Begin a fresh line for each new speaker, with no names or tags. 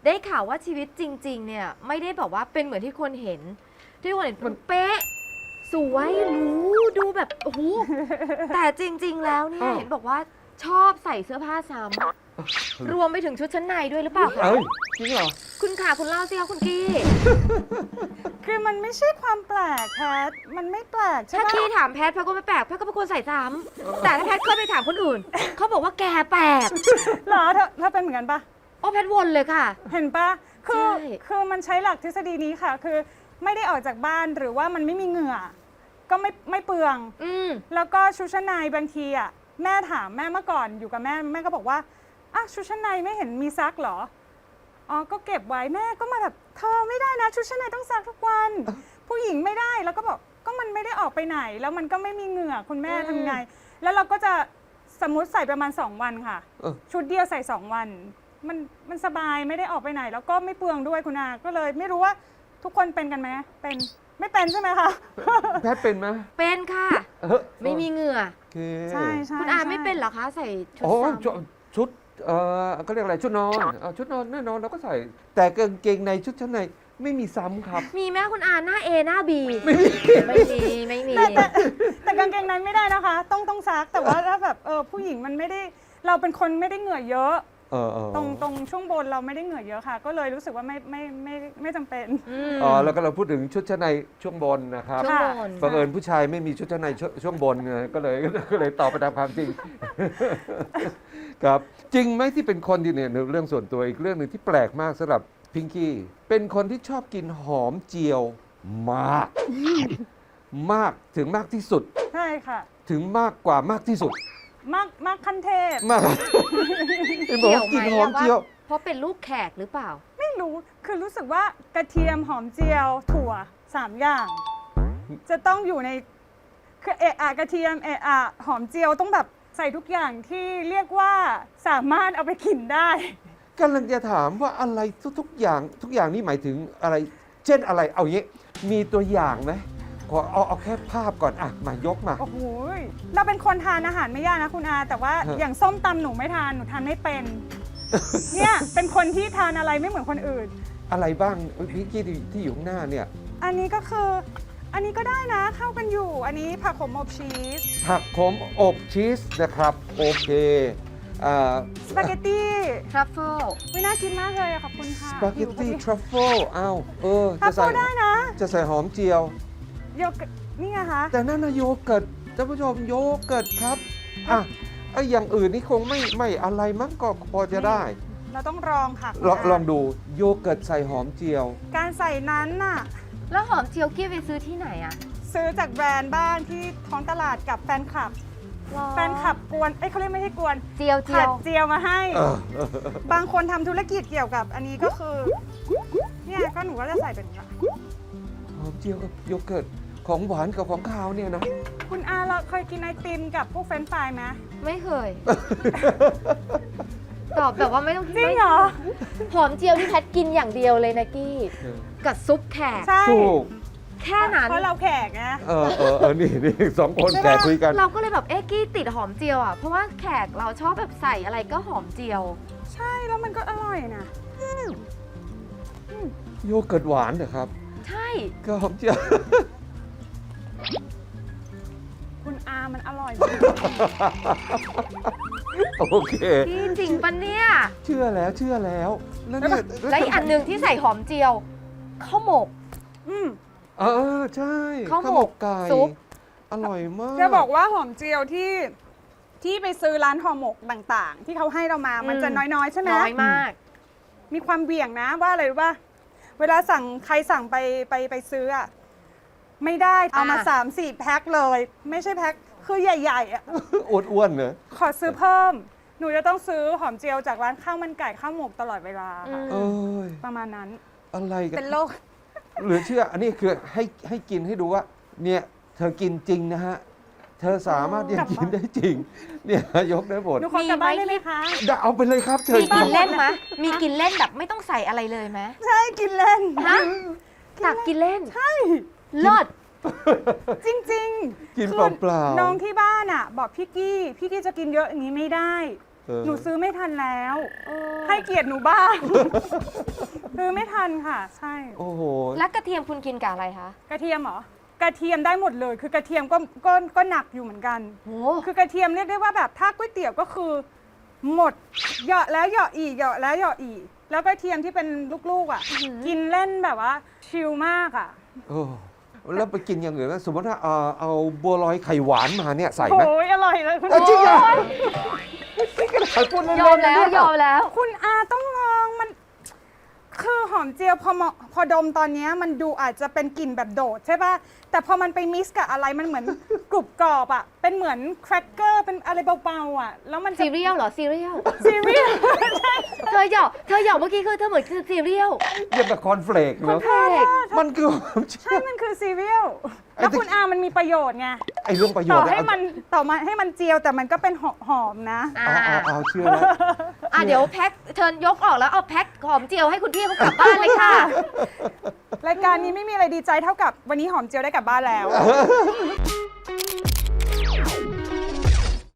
ได้ข่าวว่าชีวิตจริงๆเนี่ยไม่ได้แบบว่าเป็นเหมือนที่คนเห็นมันเป๊ะสวยหรูดูแบบโอ้โหแต่จริงๆแล้วเนี่ยเห็นบอกว่าชอบใส่เสื้อผ้าซ้ำรวมไปถึงชุดชั้นในด้วยหรือเปล่าคะ
เอ้ยจริงเหรอ
คุณขาคุณเล่าสิคะคุณกี้
คือมันไม่ใช่ความแปลกแพทมันไม่แปลกใช่
ถ้า
ไหม
กี้ถามแพทก็ไม่แปลกแพทก็เป็นคนใส่ซ้ำแต่ถ้าแพทเคยไปถามคนอื่นเขาบอกว่าแกแปลก
เหรอเธอเป็นเหมือนกันปะ
โอ้แพทวนเลยค่ะ
เห็นปะคือ
ใช่
คือมันใช้หลักทฤษฎีนี้ค่ะ คือไม่ได้ออกจากบ้านหรือว่ามันไม่มีเหงื่อ ก็ไม่เปลือง แล้วก็ชุดชั้นในบางทีอ่ะแม่ถามแม่เมื่อก่อนอยู่กับแม่ก็บอกว่าอ่ะชุดชั้นในไม่เห็นมีซักเหรออ๋อก็เก็บไว้แม่ก็มาแบบเธอไม่ได้นะชุดชั้นในต้องซักทุกวัน ผู้หญิงไม่ได้แล้วก็บอกก็มันไม่ได้ออกไปไหน แล้วมันก็ไม่มีเหงื่อคุณแม่ทำไง แล้วเราก็จะสมมุติใส่ประมาณ2 วันค่ะ ชุดเดียวใส่2 วันมันสบายไม่ได้ออกไปไหน แล้วก็ไม่เปลืองด้วยคุณอาก็เลยไม่รู้ว่าทุกคนเป็นกันไหมเป็นไม่เป็นใช่ไหมคะ
แพทเป็นไหม
เป็นค่ะ ไม่มีเหงื่อ
โอเค
ใช่
คุณอาไม่เป็นเหรอคะใส่ชุด
โอ้
ซ้
ชุดก็เรียกอะไรชุดนอนชุดนอนแน่นอนเราก็ใส่ แต่กางเกงในชุดชั้นในไม่มีซ้ำครับ
ำมีแม่คุณอาหน้า A หน้า B ไม่มี
แต่กางเกงในไม่ได้นะคะ ต้องซักแต่ว่าถ้าแบบผู้หญิงมันไม่ได้เราเป็นคนไม่ได้เหงื่อเยอะตรงช่วงบนเราไม่ได้เหงื่อเยอะค่ะ ก็เลยรู้สึกว่าไม่จำเป็น
แล้วก็เราพูดถึงชุดชั้นในช่วงบนนะครับ
ช่วงบน
บังเอิญผู้ชายไม่มีชุดชั้นในช่วงบนไงก็เลยตอบไปตามความจริง ครับจริงไหมที่เป็นคนที่เนี่ยเรื่องส่วนตัวอีกเรื่องหนึ่งที่แปลกมากสำหรับพิงกี้เป็นคนที่ชอบกินหอมเจียวมาก มากถึงมากที่สุด
ใช่ค่ะ
ถึงมากกว่ามากที่สุด
มากขั้นเทพ
มากเห็นบอกว่ากินหอมเจียว
เพราะเป็นลูกแขกหรือเปล่า
ไม่รู้คือรู้สึกว่ากระเทียมหอมเจียวถั่ว3 อย่าง จะต้องอยู่ในคือกระเทียมหอมเจียวต้องแบบใส่ทุกอย่างที่เรียกว่าสามารถเอาไปกินได้
กำลังจะถามว่าอะไรทุกอย่างนี่หมายถึงอะไร เช่นอะไรเอาอย่างนี้มีตัวอย่างไหมขอเอาแค่ภาพก่อนมายกมา
โอ้โหเราเป็นคนทานอาหารไม่ยากนะคุณอาแต่ว่าอย่างส้มตำหนูไม่ทานหนูทานไม่เป็น เนี่ยเป็นคนที่ทานอะไรไม่เหมือนคนอื่น
อะไรบ้างพิงกี้ที่อยู่ข้างหน้าเนี่ย
อันนี้ก็คืออันนี้ก็ได้นะเข้ากันอยู่อันนี้ผักขมอบชีส
ผักขมอบชีสนะครับโอเค
สปาเกตตี้
ทรัฟเฟิล
ไม่น่ากินมากเลยขอบคุณค่ะ
สปาเกตตี้ทรัฟเฟิล
ทรั
จะ
ฟ
ใส่
เฟิลได้นะ
จะใส่หอมเจียว
โยเกิร์ตนี่ไงคะ
แต่นั่นนะโยเกิร์ตท่านผู้ชมโยเกิร์ตครับไอ้อย่างอื่นนี่คงไม่อะไรมั้งก็พอจะได้
เราต้องลองค่ะ
ลองดูโยเกิร์ตใส่หอมเจียว
การใส่นั้นน่ะ
แล้วหอมเจียวกี้ไปซื้อที่ไหนอะ
ซื้อจากแบรนด์บ้างที่ท้องตลาดกับแฟนคลับกวนเขาเรียกไม่ใช่กวน
เจียว
ผัดเจียวมาให้ บางคนทำธุรกิจเกี่ยวกับอันนี้ก็คือเนี่ยก็หนูก็จะใส่เป็นแบบ
หอมเจียวกับโยเกิร์ตของหวานกับของคาวเนี่ยนะ
คุณอาเราเคยกินไอติมกับพวกเฟรนช์ฟรายไหม
ไม่เคย ตอบแบบว่าไม่ต้อง
จริงเหรอ
หอมเจียวที่แพทกินอย่างเดียวเลยนะกี้ กับซุปแขก
ใช่
ถูก
แค่นั้น
เพราะเราแขกนะ
นี่สองคนแขกคุยกัน
เราก็เลยแบบกี้ติดหอมเจียวอ่ะเพราะว่าแขกเราชอบแบบใส่อะไรก็หอมเจียว
ใช่แล้วมันก็อร่อยนะ
โยเกิร์ตหวานเหรอครับ
ใช่
ก็หอมเจียว
คุณอามันอร่อย
โอเค
พี่จริงปะเนี่ย
เชื่อแล้วแล้วเนี่ย
และอีกอันหนึ่งที่ใส่หอมเจียวข้าวหมก
ใช่
ข้าวหมก
ไก่
ซุป
อร่อยมาก
จะบอกว่าหอมเจียวที่ไปซื้อร้านห่อหมกต่างๆ ที่เขาให้เรามามันจะน้อยๆใช่ไหม
น้อยมาก
มีความเบี่ยงนะว่าอะไรรู้ป่ะเวลาใครสั่งไปซื้ออะไม่ได้เอามา3-4 แพ็คเลย ไม่ใช่แพ็คคือใหญ่ๆอะ
อ้วนๆเนอะ
ขอซื้อเพิ่ม หนูจะต้องซื้อหอมเจียวจากร้านข้าวมันไก่ข้าวหมกตลอดเวลาค่ะ
เอ้ย
ประมาณนั้น
อะไรกัน
เป็นโรค
หรือเชื่ออันนี้คือให้กินให้ดูว่า เนี่ยเธอกินจริงนะฮะ เธอสามารถที่จะกินได้จริง เนี่ยยกได้หมด
หนูขอกลับบ้านได้ไหมคะ
เอาไปเลยครับเชิญ
มีกินเล่นไหมมีกินเล่นแบบไม่ต้องใส่อะไรเลยไหม
ใช่กินเล่น
ฮะตักกินเล่น
ใช่
เลิศ
จริงๆ
กิน
คือ
เปล่า
น้องที่บ้านอ่ะ บอกพี่กี้จะกินเยอะอย่างนี้ไม่ได้หนูซื้อไม่ทันแล้ว
เออ
ให้เกียรติหนูบ้าง ซื้อไม่ทันค่ะ ใช่
โอ้โห
แล้วกระเทียมคุณกินกับอะไรคะ
กระเทียมเหรอ กระเทียมได้หมดเลย คือกระเทียมก็หนักอยู่เหมือนกัน
โห
คือกระเทียมเรียกได้ว่าแบบถ้าก๋วยเตี๋ยวก็คือหมดเหยาะแล้วเหยาะอีกเหยาะแล้วเหยาะอีก แล้วกระเทียมที่เป็นลูกๆอ่ะ กินเล่นแบบว่าชิลมากอ่ะ
โอ้แล้วไปกินอย่างอื่นนะสมมติถ้าเอาบัวลอยไข่หวานมาเนี่ยใส่ไหม
โอ้ยอร่อยเลยคุณ
จริงเหรอ
อา
นี่ก็ได้พูดเล่นๆ
ยอมแล้ว
นะ
ยอมแล้ว
คุณอาต้องลองมัน คือหอมเจียวพอดมตอนเนี้ยมันดูอาจจะเป็นกลิ่นแบบโดดใช่ป่ะ แต่พอมันไปมิกซ์กับอะไรมันเหมือน กรุบกรอบอ่ะ เป็นเหมือนแครกเกอร์เป็นอะไรเบาๆอ่ะ แล้วมันจะ
ซีเรียลเหรอ ซีเรียล
ซีเรียล
เธอหยอกเมื่อกี้คือเธอเหมือนคือซีเรียล
เรียกแบบคอนเฟลกเนาะ
เพลก
มันคือความเชื่
ใช่
อ
มันคือซีเรียล แล้วคุณอามันมีประโยชน์ไง
ไอ้เรื่องประโย
ต่
ช
อ
น์
ให้มันให้มันเจียวแต่มันก็เป็นหอมๆนะ
เอาเชื่อแล้ว
เดี๋ยวแพ็คเชิญยกออกแล้วเอาแพ็คหอมเจียวให้คุณพี่เขากลับบ้านเลยค่ะ
รายการนี้ไม่มีอะไรดีใจเท่ากับวันนี้หอมเจียวได้กลับบ้านแล้ว